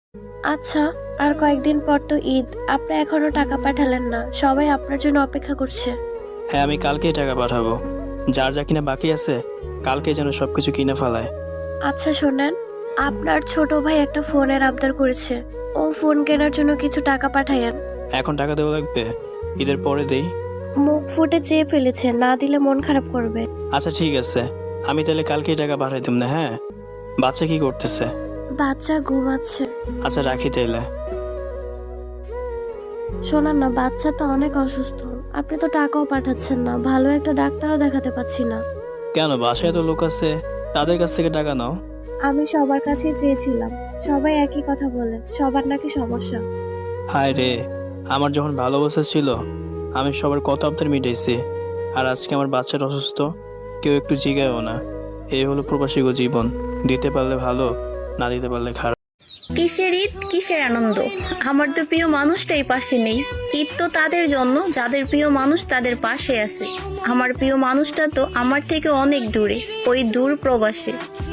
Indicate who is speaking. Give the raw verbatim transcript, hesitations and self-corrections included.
Speaker 1: আচ্ছা, আর কয়েকদিন পর তো ঈদ, আপনি এখনো টাকা পাঠালেন না, সবাই আপনার জন্য অপেক্ষা করছে।
Speaker 2: হ্যাঁ, আমি কালকেই টাকা পাঠাবো। যার যা কিনা বাকি আছে কালকে যেন সবকিছু কিনে ফেলায়।
Speaker 1: আচ্ছা শোনেন, আপনার ছোট ভাই একটা ফোনের আবদার করেছে, ও ফোন কেনার জন্য কিছু টাকা পাঠায়েন।
Speaker 2: এখন টাকা দেওয়া লাগবে? ঈদের পরে দেই।
Speaker 1: মুখ ফুটে চেয়ে ফেলেছে, না দিলে মন খারাপ করবে।
Speaker 2: আচ্ছা ঠিক আছে, আমি তাহলে কালকেই টাকা পাঠাই দিব না। হ্যাঁ, বাচ্চা কি করতেছে?
Speaker 1: বাচ্চা ঘুমাচ্ছে।
Speaker 2: আচ্ছা রাখি তাইলে।
Speaker 1: শোনান না, বাচ্চা তো অনেক অসুস্থ, আপনি তো টাকাও পাঠাচ্ছেন না, ভালো একটা ডাক্তারও দেখাতে পাচ্ছি না।
Speaker 2: কেন, বাসায় তো লোক আছে, তাদের কাছ থেকে টাকা নাও।
Speaker 1: আমি সবার কাছেই চেয়েছিলাম, সবাই একই কথা বলে, সবার নাকি সমস্যা।
Speaker 2: হায় রে, আমার যখন ভালো অবস্থা ছিল আমি সবার কত আবদার মিটাইছি, আর আজকে আমার বাচ্চাটা অসুস্থ, কেউ একটু জিগায়ও না। এই হলো প্রবাসী গো জীবন, দিতে পারলে ভালো, না দিতে পারলে খারাপ।
Speaker 3: কিসের ঈদ, কিসের আনন্দ? আমার তো প্রিয় মানুষটাই পাশে নেই। ঈদ তো তাদের জন্য যাদের প্রিয় মানুষ তাদের পাশে আছে। আমার প্রিয় মানুষটা তো আমার থেকে অনেক দূরে, ওই দূর প্রবাসে।